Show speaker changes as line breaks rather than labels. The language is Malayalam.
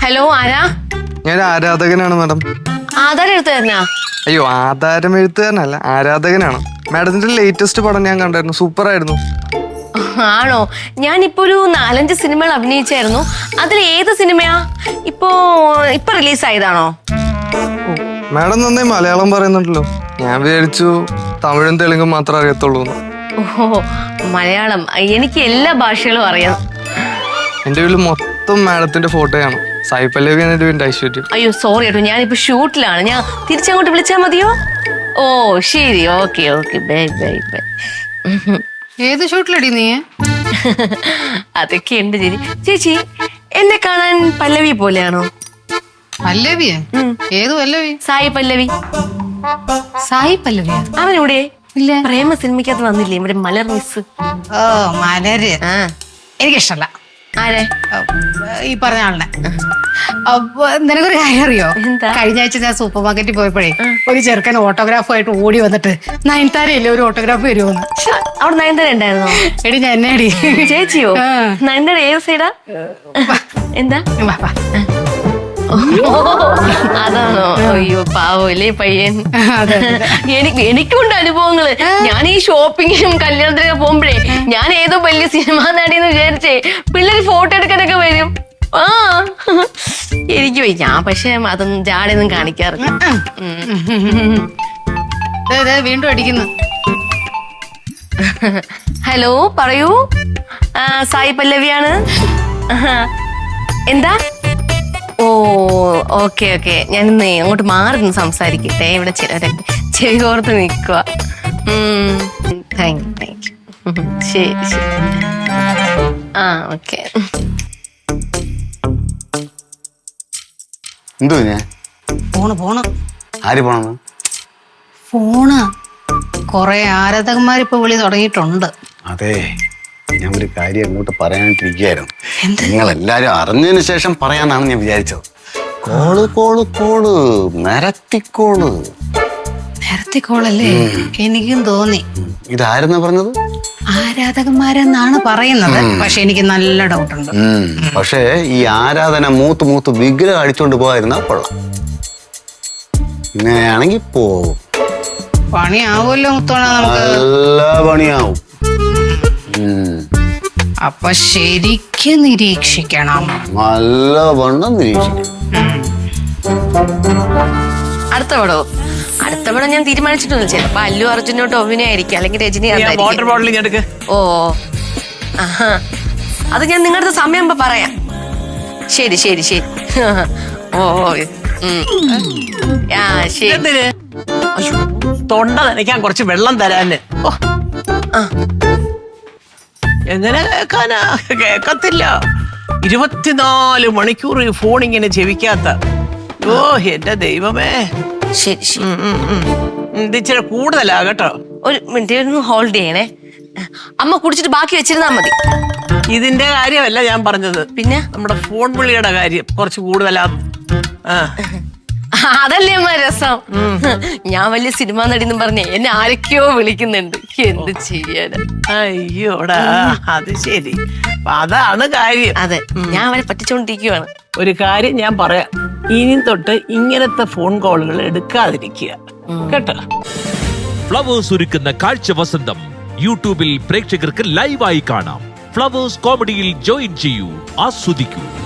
ഹലോ ആരാ?
ഞാൻ ആരാധകനാണ് മാഡം.
ആധാരം എടുത്തു തരണ?
അയ്യോ, ആധാരം എഴുത്തുകാരനല്ല, ആരാധകനാണ്. മാഡത്തിന്റെ ലേറ്റസ്റ്റ് പടം ഞാൻ കണ്ടായിരുന്നു, സൂപ്പർ ആയിരുന്നു.
ആണോ? ഞാനിപ്പോ ഒരു 4-5 സിനിമകൾ അഭിനയിച്ചായിരുന്നു. അതിൽ ഏത് സിനിമയാ ഇപ്പൊ റിലീസ് ആയതാണോ?
മാഡം നന്നായി മലയാളം പറയുന്നുണ്ടല്ലോ. ഞാൻ വിചാരിച്ചു തമിഴും തെലുങ്കും മാത്രം അറിയത്തുള്ളൂ.
ഓഹോ, മലയാളം എനിക്ക് എല്ലാ ഭാഷകളും അറിയാം.
എന്റെ വീട്ടിൽ മൊത്തം മാഡത്തിന്റെ ഫോട്ടോയാണ്. സായി പല്ലവിയാണ് എന്റെ വീടിന്റെ ഐശ്വര്യം.
അയ്യോ സോറി കേട്ടോ, ഞാനിപ്പോ ഷൂട്ടിലാണ്. ഞാൻ തിരിച്ചങ്ങോട്ട് വിളിച്ചാ മതിയോ? ഓ ശരി, okay okay, bye bye bye.
ഏത് ഷൂട്ടിലടി നീ?
അതൊക്കെ ഉണ്ട് ചേച്ചി. ചേച്ചി എന്നെ കാണാൻ പല്ലവി പോലെയാണോ?
പല്ലവിയെ? ഏത് പല്ലവി?
സായി പല്ലവി.
സായി പല്ലവിയ?
അവനിവിടെ
ഇല്ല.
പ്രേമ സിനിമയ്ക്കകത്ത് വന്നില്ലേ, ഇവിടെ മലർ മിസ്?
ഓ മലര്. എനിക്കിഷ്ടല്ല.
ആരെ?
ഈ പറഞ്ഞ ആളിനെ. അപ്പൊ നിനക്കൊരു കാര്യം അറിയോ? കഴിഞ്ഞ ആഴ്ച ഞാൻ സൂപ്പർ മാർക്കറ്റിൽ പോയപ്പോഴേ ഒരു ചെറുക്കൻ ഓട്ടോഗ്രാഫുമായിട്ട് ഓടി വന്നിട്ട് നയൻതാരയില്ലേ ഒരു ഓട്ടോഗ്രാഫ് വരുമോന്ന്.
അവിടെ നയൻതാര ഉണ്ടായിരുന്നോ?
എടി ഞാൻ എന്നെ അടി.
ചേച്ചിയോ? നയൻതാര ഏത് സൈഡാ? എന്താ? അതാണോ? അയ്യോ പാവല്ലേ പയ്യൻ. എനിക്കുണ്ട് അനുഭവങ്ങള്. ഞാൻ ഈ ഷോപ്പിങ്ങിനും കല്യാണത്തിനൊക്കെ പോകുമ്പോഴേ ഞാൻ ഏതോ വലിയ സിനിമാ നടിയെന്ന് വിചാരിച്ചേ പിള്ളേര് ഫോട്ടോ എടുക്കാനൊക്കെ വരും. ആ എനിക്ക് പോയി. ഞാൻ പക്ഷെ അതൊന്നും ജാടയൊന്നും കാണിക്കാറില്ല.
വീണ്ടും അടിക്കുന്നു.
ഹലോ പറയൂ. സായി പല്ലവിയാണ്. എന്താ? ഓ ഓക്കെ ഓക്കെ, ഞാനിന്ന് അങ്ങോട്ട് മാറി നിന്ന് സംസാരിക്കട്ടെ. ഇവിടെ ചിലരൊക്കെ ചെവി കോർത്ത് നിൽക്കുക. Thank you thank you. ശരി ശരി. ആ ഓക്കെ.
എന്തോ ഞാൻ
പോണ്
ആര് പോണെന്ന്?
ഫോണ് കൊറേ ആരാധകന്മാരിപ്പോ വിളി തുടങ്ങിയിട്ടുണ്ട്.
അതെ, ഞാൻ ഒരു കാര്യം അങ്ങോട്ട് പറയാനായിട്ടിരിക്കുകയായിരുന്നു. നിങ്ങൾ എല്ലാരും അറിഞ്ഞതിന് ശേഷം പറയാന്നാണ് ഞാൻ വിചാരിച്ചത്. കോള് കോള് കോള് നിരത്തിക്കോള്.
നിരത്തിക്കോളല്ലേ? എനിക്കും തോന്നി.
ഇതാരെന്നാ പറഞ്ഞത്?
ആരാധകന്മാരെന്നാണ് പറയുന്നത്. പക്ഷെ എനിക്ക് നല്ല ഡൗട്ടുണ്ട്.
പക്ഷേ ഈ ആരാധന മൂത്ത് വിഗ്രഹം അടിച്ചോണ്ട് പോകാതിരുന്നാ കൊള്ളാം. ഇങ്ങനെയാണെങ്കിൽ പോവും.
പണിയാവുമല്ലോ മുത്തോണ നമുക്ക്.
നല്ല പണിയാവും.
അപ്പൊ ശരിക്കും നിരീക്ഷിക്കണം.
നല്ല വണ്ണം നിരീക്ഷിക്കണം.
അടുത്ത പടം ഞാൻ തീരുമാനിച്ചിട്ടൊന്നും. ചിലപ്പോ അല്ലു അർജുനോ ടോവിനോ ആയിരിക്കും, അല്ലെങ്കിൽ രജനി. ഓ അത് ഞാൻ നിങ്ങളുടെ സമയം പറയാം. ശരി ശരി ശരി. ഓ ശരി.
തൊണ്ട നനയ്ക്കാൻ കുറച്ച് വെള്ളം തരാന്. എങ്ങനെ കേൾക്കാനാ? കേക്കത്തില്ല. 24 മണിക്കൂർ ഈ ഫോൺ ഇങ്ങനെ ചെവിക്കാത്ത. ഓ എന്റെ ദൈവമേ.
ശരി ശരി.
ഇത് ഇച്ചിരി കൂടുതലാ കേട്ടോ.
ഒരു മിനിറ്റ് ഹോൾഡ് ചെയ്യണേ. അമ്മ കുടിച്ചിട്ട് ബാക്കി വെച്ചിരുന്നാ മതി.
ഇതിന്റെ കാര്യമല്ല ഞാൻ പറഞ്ഞത്,
പിന്നെ
നമ്മുടെ ഫോൺ വിളിയുടെ കാര്യം കുറച്ച് കൂടുതലാ.
അതല്ലേ അമ്മ രസം. ഞാൻ വലിയ സിനിമാ നടിന്നും പറഞ്ഞേ എന്നെ ആരൊക്കെയോ വിളിക്കുന്നുണ്ട്. എന്ത് ചെയ്യാനാ?
അയ്യോടാ, അത് ശരി. അതാണ് കാര്യം.
അതെ, ഞാൻ അവരെ പറ്റിച്ചോണ്ടിരിക്കുവാണ്.
ഒരു കാര്യം ഞാൻ പറയാം, ഇനി തൊട്ട് ഇങ്ങനത്തെ ഫോൺ കോളുകൾ എടുക്കാതിരിക്കുക കേട്ടോ.
ഫ്ലവേഴ്സ് ഒരുക്കുന്ന കാഴ്ച വസന്തം യൂട്യൂബിൽ പ്രേക്ഷകർക്ക് ലൈവായി കാണാം. ഫ്ലവേഴ്സ് കോമഡിയിൽ ജോയിൻ ചെയ്യൂ, ആസ്വദിക്കൂ.